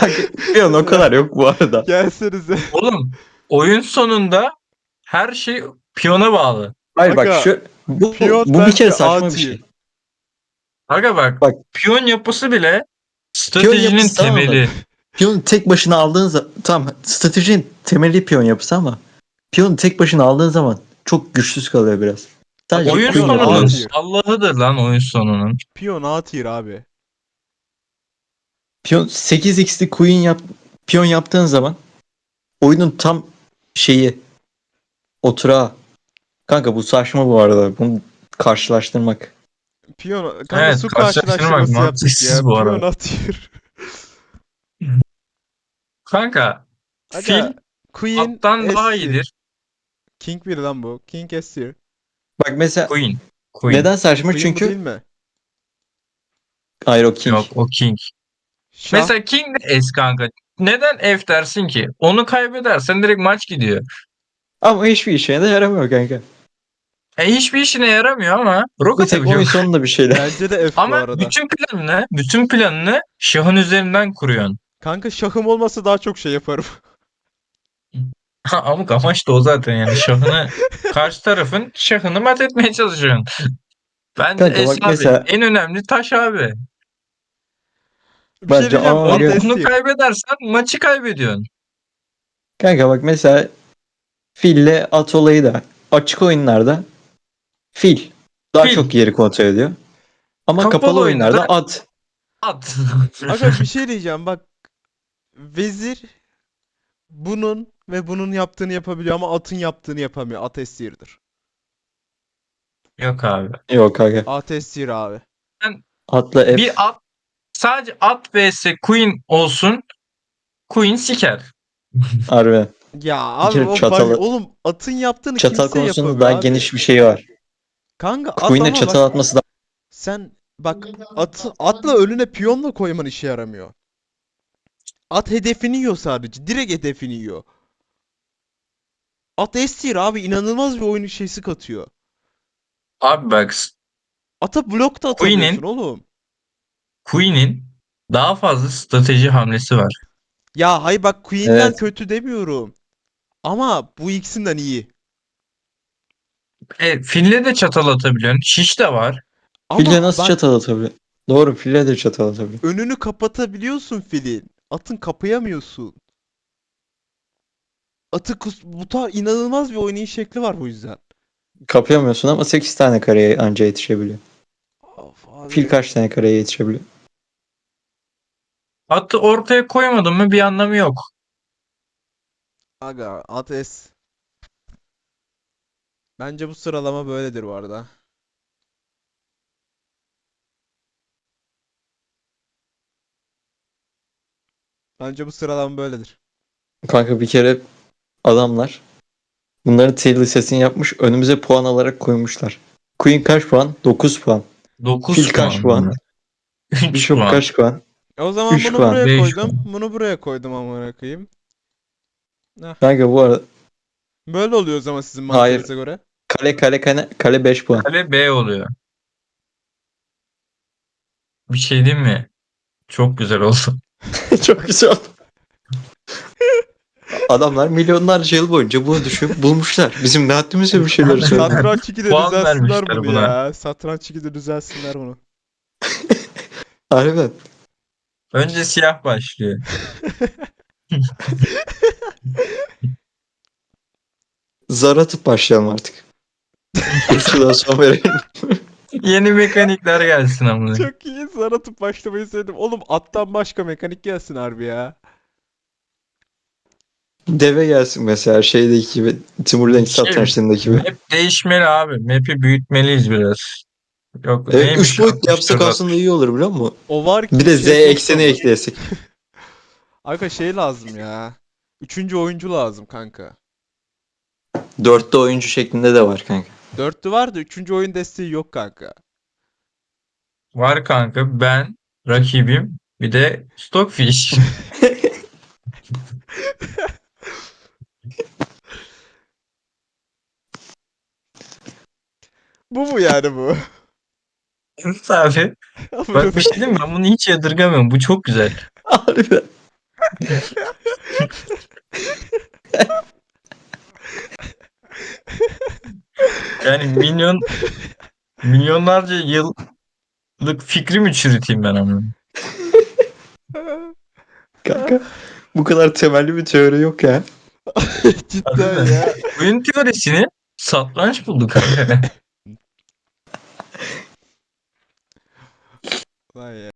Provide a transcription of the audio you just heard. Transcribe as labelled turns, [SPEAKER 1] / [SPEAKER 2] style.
[SPEAKER 1] Piyon o kadar yok bu arada.
[SPEAKER 2] Gelsenize.
[SPEAKER 3] Oğlum oyun sonunda her şey piyona bağlı.
[SPEAKER 1] Hayır bak
[SPEAKER 2] Aga,
[SPEAKER 1] bu
[SPEAKER 2] piyon
[SPEAKER 1] bir kere
[SPEAKER 2] bence
[SPEAKER 1] saçma
[SPEAKER 2] A
[SPEAKER 1] bir şey.
[SPEAKER 3] Aga bak,
[SPEAKER 1] Bak.
[SPEAKER 3] piyon yapısı bile
[SPEAKER 1] Piyon
[SPEAKER 3] stratejinin
[SPEAKER 1] yapısı tamam mı?
[SPEAKER 3] temeli.
[SPEAKER 1] Piyonu tek başına aldığın zaman tamam stratejinin temeli piyon yapısı ama piyonu tek başına aldığın zaman çok güçsüz kalıyor biraz. Sadece
[SPEAKER 2] Aga,
[SPEAKER 3] Oyun
[SPEAKER 1] queen
[SPEAKER 2] piyon A
[SPEAKER 3] sonunun
[SPEAKER 1] yapabiliyorsun.
[SPEAKER 2] tier.
[SPEAKER 3] Allah'ıdır lan oyun sonunun.
[SPEAKER 2] Piyon A tier abi.
[SPEAKER 1] Piyon 8x'li piyon yaptığın zaman oyunun tam şeyi oturağı. Kanka bu saçma bu arada. Bunu karşılaştırmak.
[SPEAKER 2] Piyon kanka,
[SPEAKER 3] Evet,
[SPEAKER 2] su
[SPEAKER 3] karşılaştırmak
[SPEAKER 2] karşılaştırması yaptık
[SPEAKER 3] mantıksız
[SPEAKER 2] ya.
[SPEAKER 3] bu
[SPEAKER 2] Piyon
[SPEAKER 3] arada.
[SPEAKER 2] A tier.
[SPEAKER 3] Kanka
[SPEAKER 2] Aga,
[SPEAKER 3] fil
[SPEAKER 2] Queen
[SPEAKER 3] attan
[SPEAKER 2] S
[SPEAKER 3] daha
[SPEAKER 2] tier.
[SPEAKER 3] iyidir.
[SPEAKER 2] King bir lan bu. King S tier.
[SPEAKER 1] Bak mesela
[SPEAKER 3] Queen. Queen.
[SPEAKER 1] neden saçma?
[SPEAKER 2] Queen bu değil
[SPEAKER 1] Çünkü
[SPEAKER 2] mi?
[SPEAKER 1] Aero King.
[SPEAKER 3] Yok, o King.
[SPEAKER 2] Şah.
[SPEAKER 3] Mesela King de S kanka. Neden F dersin ki? Onu kaybedersen direkt maç gidiyor.
[SPEAKER 1] Ama hiçbir işe de yaramıyor kanka.
[SPEAKER 3] Hiçbir işine yaramıyor ama rok
[SPEAKER 1] Bir tek oyun
[SPEAKER 3] atabiliyor.
[SPEAKER 1] sonunda bir şeyler.
[SPEAKER 2] Bence de F bu
[SPEAKER 3] Ama
[SPEAKER 2] arada.
[SPEAKER 3] bütün planını şahın üzerinden kuruyorsun.
[SPEAKER 2] Kanka, şahım olmasa daha çok şey yaparım.
[SPEAKER 3] Amık amaç da o zaten, yani karşı tarafın şahını mat etmeye çalışıyorsun.
[SPEAKER 1] Kanka
[SPEAKER 3] Bence
[SPEAKER 1] bak
[SPEAKER 3] S abi.
[SPEAKER 1] mesela
[SPEAKER 3] En önemli taş abi.
[SPEAKER 2] Bir şey
[SPEAKER 1] bence
[SPEAKER 2] diyeceğim.
[SPEAKER 1] ama
[SPEAKER 2] At
[SPEAKER 1] öyle.
[SPEAKER 2] S
[SPEAKER 3] Onu
[SPEAKER 2] tier.
[SPEAKER 3] kaybedersen maçı kaybediyorsun.
[SPEAKER 1] Kanka bak mesela fille at olayı da açık oyunlarda fil daha
[SPEAKER 3] Fil.
[SPEAKER 1] çok yeri kontrol ediyor. Ama
[SPEAKER 3] Kapalı
[SPEAKER 1] kapalı
[SPEAKER 3] oyunda da
[SPEAKER 1] oyunlarda at.
[SPEAKER 3] at.
[SPEAKER 2] Aga, bir şey diyeceğim bak. Vezir bunun ve bunun yaptığını yapabiliyor ama atın yaptığını yapamıyor. At S tier'dır.
[SPEAKER 3] Yok abi.
[SPEAKER 1] Yok kanka.
[SPEAKER 2] At S tier abi.
[SPEAKER 3] Ben
[SPEAKER 1] Atla F.
[SPEAKER 3] bir at sadece at vs Queen olsun. Queen siker.
[SPEAKER 1] Harbi.
[SPEAKER 2] Ya
[SPEAKER 1] Bir
[SPEAKER 2] abi,
[SPEAKER 1] kere
[SPEAKER 2] o oğlum, atın yaptığını
[SPEAKER 1] çatal
[SPEAKER 2] kimse
[SPEAKER 1] konusunda
[SPEAKER 2] yapamıyor
[SPEAKER 1] daha
[SPEAKER 2] abi.
[SPEAKER 1] geniş bir şey var.
[SPEAKER 2] Kanka at,
[SPEAKER 1] Queen'e
[SPEAKER 2] ama
[SPEAKER 1] çatal
[SPEAKER 2] bak,
[SPEAKER 1] atması da
[SPEAKER 2] sen bak, atla önüne piyonla koyman işe yaramıyor. At hedefini yiyor sadece. Direkt hedefini yiyor. At S tier abi, inanılmaz bir oyun şeysi katıyor.
[SPEAKER 3] Abi bak,
[SPEAKER 2] Ata blok da atamıyorsun
[SPEAKER 3] Queen'in
[SPEAKER 2] oğlum.
[SPEAKER 3] Queen'in daha fazla strateji hamlesi var.
[SPEAKER 2] Ya hay bak, Queen'den
[SPEAKER 1] evet.
[SPEAKER 2] kötü demiyorum. Ama bu ikisinden iyi.
[SPEAKER 3] Fille de çatal atabiliyorsun. Şiş de var.
[SPEAKER 1] Fille
[SPEAKER 2] Ama
[SPEAKER 1] nasıl
[SPEAKER 2] bak,
[SPEAKER 1] çatal atabiliyor? Doğru fille de çatal atabiliyor.
[SPEAKER 2] önünü kapatabiliyorsun filin. Atın kapayamıyorsun. Bu tarz inanılmaz bir oynayış şekli var bu yüzden.
[SPEAKER 1] Kapayamıyorsun ama 8 tane kareye anca yetişebiliyor.
[SPEAKER 2] Of
[SPEAKER 1] Fil
[SPEAKER 2] abi.
[SPEAKER 1] kaç tane kareye yetişebiliyor?
[SPEAKER 3] Atı ortaya koymadın mı bir anlamı yok.
[SPEAKER 2] Aga, Ates. Bence bu sıralama böyledir bu arada. Bence bu sıralama böyledir.
[SPEAKER 1] Kanka bir kere adamlar bunların tier listesini yapmış önümüze puan alarak koymuşlar. Queen kaç puan? 9 puan.
[SPEAKER 3] 9
[SPEAKER 1] Fil kaç
[SPEAKER 3] puan mı?
[SPEAKER 1] puan?
[SPEAKER 3] 3
[SPEAKER 1] Bishop
[SPEAKER 3] puan.
[SPEAKER 1] kaç puan?
[SPEAKER 2] O zaman
[SPEAKER 1] 3
[SPEAKER 2] bunu
[SPEAKER 1] puan.
[SPEAKER 2] buraya
[SPEAKER 3] 5
[SPEAKER 2] koydum.
[SPEAKER 3] puan.
[SPEAKER 2] Bunu buraya koydum, amına koyayım. Heh.
[SPEAKER 1] Kanka bu arada
[SPEAKER 2] Böyle oluyor o zaman sizin
[SPEAKER 1] hayır.
[SPEAKER 2] mantığınıza göre.
[SPEAKER 1] Kale 5 puan.
[SPEAKER 3] Kale B oluyor. Bir şey diyeyim mi? Çok güzel oldu.
[SPEAKER 1] Çok güzel. Adamlar milyonlarca yıl boyunca bunu düşünüp bulmuşlar. Bizim ne haddimize bir şeyler söylüyor.
[SPEAKER 2] Satranç 2'de
[SPEAKER 3] Puan
[SPEAKER 2] düzelsinler
[SPEAKER 3] vermişler
[SPEAKER 2] bunu
[SPEAKER 3] buna.
[SPEAKER 2] ya. Satranç 2'de düzelsinler bunu.
[SPEAKER 1] Harbiden.
[SPEAKER 3] Önce siyah başlıyor.
[SPEAKER 1] Zar atıp başlayalım artık. Kurşudan son verelim.
[SPEAKER 3] Yeni mekanikler gelsin ama.
[SPEAKER 2] Çok iyi. Zar atıp başlamayı sevdim. Oğlum, attan başka mekanik gelsin harbi ya.
[SPEAKER 1] Deve gelsin mesela şeydeki gibi. Timur Lenk
[SPEAKER 3] Şey,
[SPEAKER 1] satrançlarındaki gibi.
[SPEAKER 3] map değişmeli abi. Map'i büyütmeliyiz biraz. Yok
[SPEAKER 1] Evet, 3
[SPEAKER 3] neymiş
[SPEAKER 1] boyutlu yapsak
[SPEAKER 3] 64
[SPEAKER 1] aslında iyi olur biliyor musun?
[SPEAKER 2] O var
[SPEAKER 1] Bir
[SPEAKER 2] ki
[SPEAKER 1] de Z
[SPEAKER 2] şey çok
[SPEAKER 1] ekseni
[SPEAKER 2] zor.
[SPEAKER 1] ekleyesek.
[SPEAKER 2] Aga, şey lazım ya. Üçüncü oyuncu lazım kanka.
[SPEAKER 1] 4'te oyuncu şeklinde de var kanka.
[SPEAKER 2] Dörtlü var da üçüncü oyun desteği yok kanka.
[SPEAKER 3] var kanka. Ben, rakibim, bir de Stockfish.
[SPEAKER 2] Bu mu yani bu?
[SPEAKER 3] Evet abi.
[SPEAKER 2] Amına
[SPEAKER 3] Bak bir şey
[SPEAKER 2] koyayım.
[SPEAKER 3] diyeyim mi? Ben bunu hiç yadırgamıyorum. Bu çok güzel.
[SPEAKER 1] Harbiden.
[SPEAKER 3] Yani milyonlarca yıllık fikri mi çürüteyim ben ama?
[SPEAKER 1] Kanka bu kadar temelli bir teori yok ya.
[SPEAKER 2] Cidden
[SPEAKER 3] Harbiden.
[SPEAKER 2] ya.
[SPEAKER 3] Oyun teorisini satranç buldu kanka.
[SPEAKER 2] Vay ya.